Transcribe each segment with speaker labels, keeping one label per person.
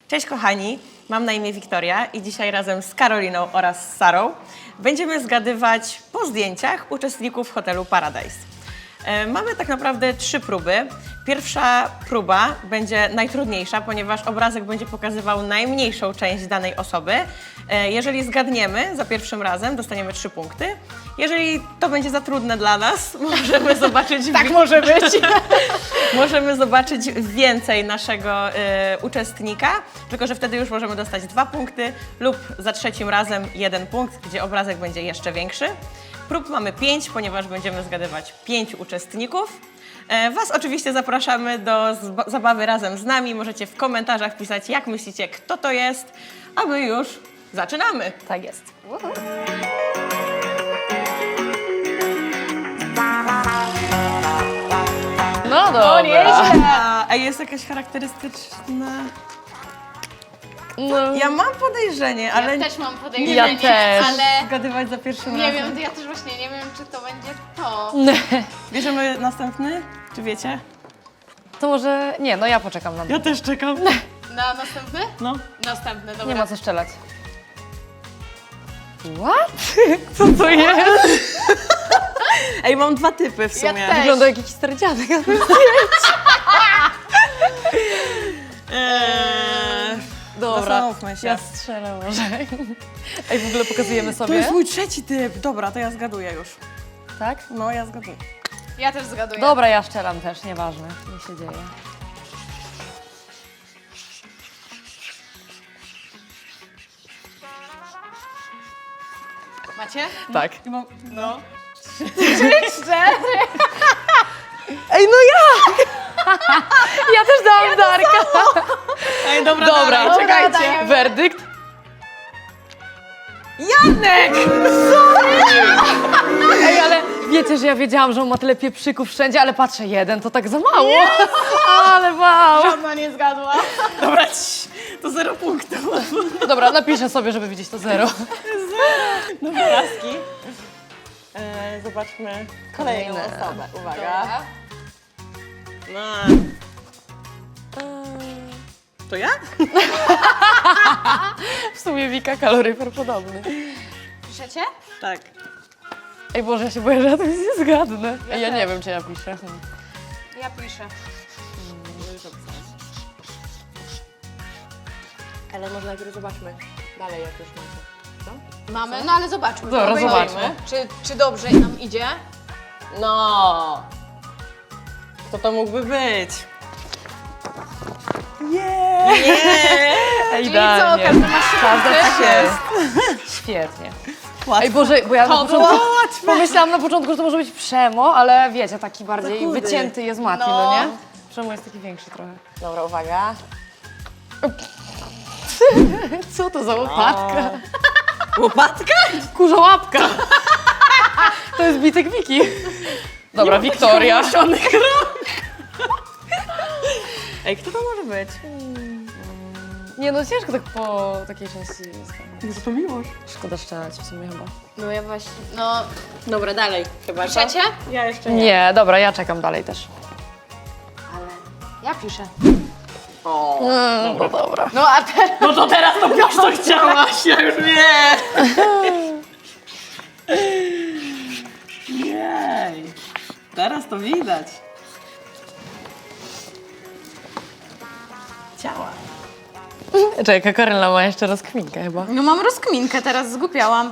Speaker 1: Cześć kochani, mam na imię Wiktoria i dzisiaj razem z Karoliną oraz z Sarą będziemy zgadywać po zdjęciach uczestników hotelu Paradise. Mamy tak naprawdę 3 próby. Pierwsza próba będzie najtrudniejsza, ponieważ obrazek będzie pokazywał najmniejszą część danej osoby. Jeżeli zgadniemy za pierwszym razem, dostaniemy 3 punkty. Jeżeli to będzie za trudne dla nas, możemy zobaczyć...
Speaker 2: Tak może być.
Speaker 1: Możemy zobaczyć więcej naszego uczestnika, tylko że wtedy już możemy dostać 2 punkty lub za trzecim razem 1 punkt, gdzie obrazek będzie jeszcze większy. Prób mamy 5, ponieważ będziemy zgadywać 5 uczestników. Was oczywiście zapraszamy do zabawy razem z nami. Możecie w komentarzach pisać, jak myślicie, kto to jest, a my już zaczynamy.
Speaker 2: Tak jest. No dobra.
Speaker 1: A jest jakaś charakterystyczna...
Speaker 2: No,
Speaker 1: Ja mam podejrzenie, ale
Speaker 3: Ja też mam podejrzenie,
Speaker 2: Ja też.
Speaker 3: ale
Speaker 1: zgadywać za pierwszym
Speaker 3: nie
Speaker 1: razem.
Speaker 3: wiem, ja też właśnie nie wiem, czy to będzie to.
Speaker 1: Bierzemy następny? Czy wiecie?
Speaker 2: to może... Nie, no ja poczekam na to.
Speaker 1: Ja też czekam.
Speaker 3: Na następny?
Speaker 1: No.
Speaker 3: Następny, dobra.
Speaker 2: Nie ma co strzelać. What? Co to jest?
Speaker 1: Ej, mam 2 typy w sumie.
Speaker 3: Ja też.
Speaker 2: Wygląda jak jakiś stary dziadek. Dobra,
Speaker 1: Zastanówmy się.
Speaker 2: ja strzelę może. Ej, w ogóle pokazujemy
Speaker 1: To
Speaker 2: sobie.
Speaker 1: jest mój 3. typ. Dobra, to ja zgaduję już.
Speaker 2: Tak?
Speaker 1: No, ja zgaduję.
Speaker 3: Ja też zgaduję.
Speaker 2: Dobra, ja strzelam też, nieważne. Nie się dzieje.
Speaker 3: Macie?
Speaker 2: Tak.
Speaker 1: No.
Speaker 2: Ej, no ja! Ja też dałam Darka.
Speaker 1: Ej, dobra,
Speaker 2: Dobra,
Speaker 1: dalej, czekajcie.
Speaker 3: dajemy.
Speaker 2: Werdykt?
Speaker 1: Janek!
Speaker 2: Ej, ale wiecie, że ja wiedziałam, że on ma tyle pieprzyków wszędzie, ale patrzę, 1 to tak za mało. Ale wow.
Speaker 3: Żadna nie zgadła.
Speaker 1: Dobra, to 0 punktów.
Speaker 2: Dobra, napiszę sobie, żeby widzieć to 0.
Speaker 1: Obrazki. Zobaczmy kolejną
Speaker 2: Kolejne.
Speaker 1: osobę. Uwaga.
Speaker 3: Dobra.
Speaker 1: No. To ja?
Speaker 2: W sumie Wika kaloryfer podobny.
Speaker 3: Piszecie?
Speaker 1: Tak.
Speaker 2: Ej Boże, ja się boję, że ja to nic nie zgadnę.
Speaker 3: Ja
Speaker 2: Ej, ja
Speaker 3: też.
Speaker 2: nie wiem, czy ja piszę.
Speaker 3: Ja piszę.
Speaker 1: Ale może najpierw zobaczmy dalej, jak już macie. Co?
Speaker 3: Mamy, no ale zobaczmy.
Speaker 2: Dobra,
Speaker 3: Obejrzyjmy.
Speaker 2: zobaczmy.
Speaker 3: Czy dobrze nam idzie?
Speaker 1: No. Kto to mógłby być? Nie.
Speaker 2: Ej,
Speaker 3: Czyli co, każdy ma
Speaker 2: Każda
Speaker 3: punkty?
Speaker 2: tak jest. Świetnie.
Speaker 1: Łatwo.
Speaker 2: Ej Boże, bo ja na
Speaker 3: To
Speaker 2: początku
Speaker 3: było
Speaker 2: pomyślałam na początku, że to może być Przemo, ale wiecie, taki bardziej
Speaker 1: Za chudy.
Speaker 2: wycięty jest Mati,
Speaker 3: No.
Speaker 2: no nie? Przemo jest taki większy trochę.
Speaker 1: Dobra, uwaga.
Speaker 2: Co to za łopatka?
Speaker 1: Łopatka?
Speaker 2: Kurza łapka! To jest bitek Wiki. Dobra, Wiktoria.
Speaker 1: Ej, kto to może być?
Speaker 2: Nie no, ciężko tak po takiej części jest.
Speaker 1: Może to Miłosz.
Speaker 2: Szkoda strzelać w sumie chyba.
Speaker 3: No ja właśnie, no...
Speaker 1: Dobra, dalej. Chyba, co?
Speaker 3: Piszecie?
Speaker 1: Ja jeszcze nie.
Speaker 2: Nie, dobra, ja czekam dalej też.
Speaker 3: Ale ja piszę.
Speaker 1: O.
Speaker 2: No dobra.
Speaker 3: No a teraz...
Speaker 1: No to teraz to wiesz, co chciałaś, ja już nie. Jej. Teraz to widać. Ciała.
Speaker 2: Czekaj, Karyna ma jeszcze rozkminkę chyba.
Speaker 3: No mam rozkminkę, teraz zgłupiałam.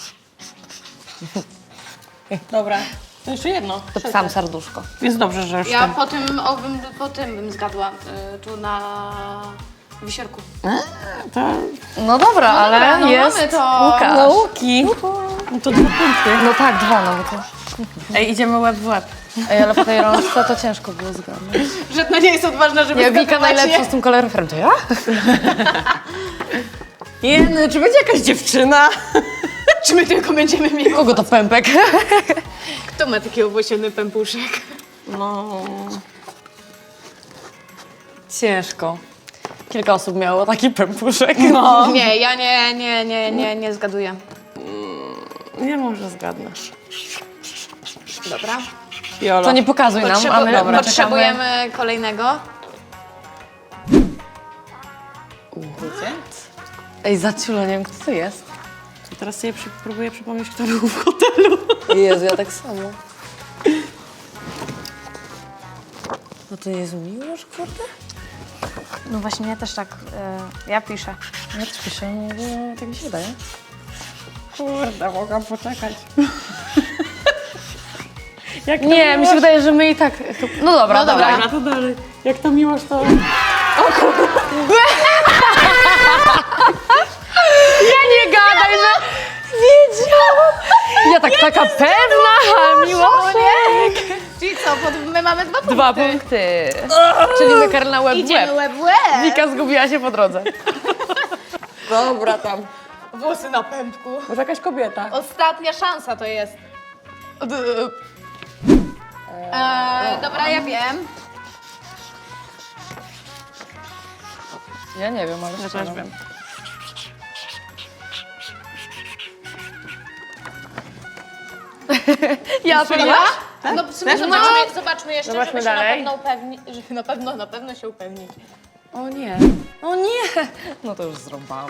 Speaker 1: Dobra, to jeszcze jedno.
Speaker 2: To sam serduszko.
Speaker 1: Jest dobrze, że już
Speaker 3: Ja po tym bym zgadła, tu na wisiorku.
Speaker 1: to...
Speaker 2: No dobra, ale
Speaker 3: dobra, no
Speaker 2: jest
Speaker 3: mamy to.
Speaker 2: Łukasz.
Speaker 1: Nauki. No to 2 punkty.
Speaker 2: No tak, 2 nawet.
Speaker 1: Ej, idziemy łeb w łeb.
Speaker 2: Ej, ale po tej rączce to ciężko było zgadnąć.
Speaker 3: Że to nie jest odważna, żeby
Speaker 2: Ja Wika
Speaker 3: zgadywać
Speaker 2: najlepsza
Speaker 3: je.
Speaker 2: z tym kaloryferem, to ja?
Speaker 1: Jeny, czy będzie jakaś dziewczyna?
Speaker 3: Czy my tylko będziemy mieli...
Speaker 2: Kogo to pępek?
Speaker 3: Kto ma taki owłosiony pępuszek?
Speaker 1: No...
Speaker 2: Ciężko. Kilka osób miało taki pępuszek.
Speaker 1: No.
Speaker 3: Nie, ja nie zgaduję.
Speaker 1: Nie może zgadnąć.
Speaker 3: Dobra.
Speaker 1: Jolo.
Speaker 2: To nie pokazuj nam, a my
Speaker 3: Potrzebujemy kolejnego.
Speaker 1: Wiecie?
Speaker 2: Ej, zaciula, nie wiem, kto to jest.
Speaker 1: To teraz sobie próbuję przypomnieć, kto był w hotelu.
Speaker 2: Jezu, ja tak samo. No to Jezu, Miłosz, kurde?
Speaker 4: No właśnie, ja też tak, ja piszę.
Speaker 2: Ja też piszę, no bo tak mi się wydaje.
Speaker 1: Kurde, mogłam poczekać.
Speaker 2: Nie, mi się wydaje, że my i tak... No dobra, dobra.
Speaker 1: Dobra, to dalej. Jak to miłość, to...
Speaker 2: Ja nie gadaj, że wiedziałam. Ja tak taka pewna, a Miłoszek.
Speaker 3: Czyli co, my mamy 2 punkty.
Speaker 2: 2 punkty. Czyli my Karolina łeb w
Speaker 3: Idziemy
Speaker 2: łeb.
Speaker 3: łeb w łeb.
Speaker 2: Wika zgubiła się po drodze.
Speaker 1: Dobra tam.
Speaker 3: Włosy na pępku.
Speaker 1: Może jakaś kobieta.
Speaker 3: Ostatnia szansa to jest. Dobra, ja wiem.
Speaker 2: Ja nie wiem, ale
Speaker 1: Ja
Speaker 2: szczerze.
Speaker 1: też wiem.
Speaker 2: Ja
Speaker 3: Strzeliłaś? No w sumie
Speaker 1: Też?
Speaker 3: zobaczmy jeszcze,
Speaker 2: Zobaczmy
Speaker 3: żeby
Speaker 2: dalej.
Speaker 3: się na pewno upewnić, żeby na pewno się upewnić.
Speaker 2: O nie, o nie. No to już zrąbałam.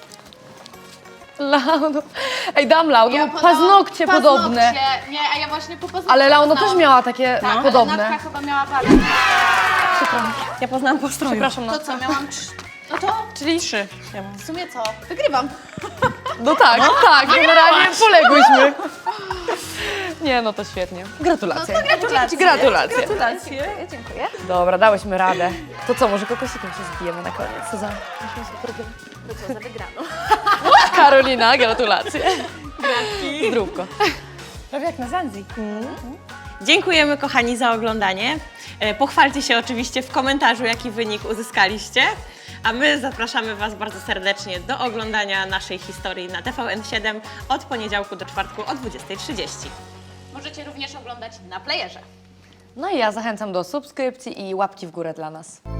Speaker 2: Launo. Ej, dam Launo, paznokcie podobne.
Speaker 3: Nie, a ja właśnie po paznokciach
Speaker 2: Ale Launo
Speaker 3: poznałam.
Speaker 2: też miała takie
Speaker 3: Tak,
Speaker 2: podobne.
Speaker 3: ale Natka chyba miała parę.
Speaker 1: Ja poznałam po stroju.
Speaker 2: Przepraszam,
Speaker 3: To
Speaker 2: no.
Speaker 3: co, miałam no to
Speaker 1: Czyli 3. Ja mam.
Speaker 3: w sumie co? Wygrywam.
Speaker 2: No tak, tak, generalnie poległyśmy. Nie, no to świetnie. Gratulacje.
Speaker 3: No to gratulacje.
Speaker 2: Gratulacje.
Speaker 1: Gratulacje.
Speaker 3: Dziękuję.
Speaker 2: Dobra, dałyśmy radę. To co, może kokosikiem się zbijemy na koniec? Co za...
Speaker 3: To co, za wygraną.
Speaker 2: Karolina, gratulacje. Zdrówko.
Speaker 1: Prawie jak na Zanzi. Dziękujemy kochani za oglądanie. Pochwalcie się oczywiście w komentarzu, jaki wynik uzyskaliście. A my zapraszamy Was bardzo serdecznie do oglądania naszej historii na TVN7 od poniedziałku do czwartku o 20:30.
Speaker 3: Możecie również oglądać na playerze.
Speaker 2: No i ja zachęcam do subskrypcji i łapki w górę dla nas.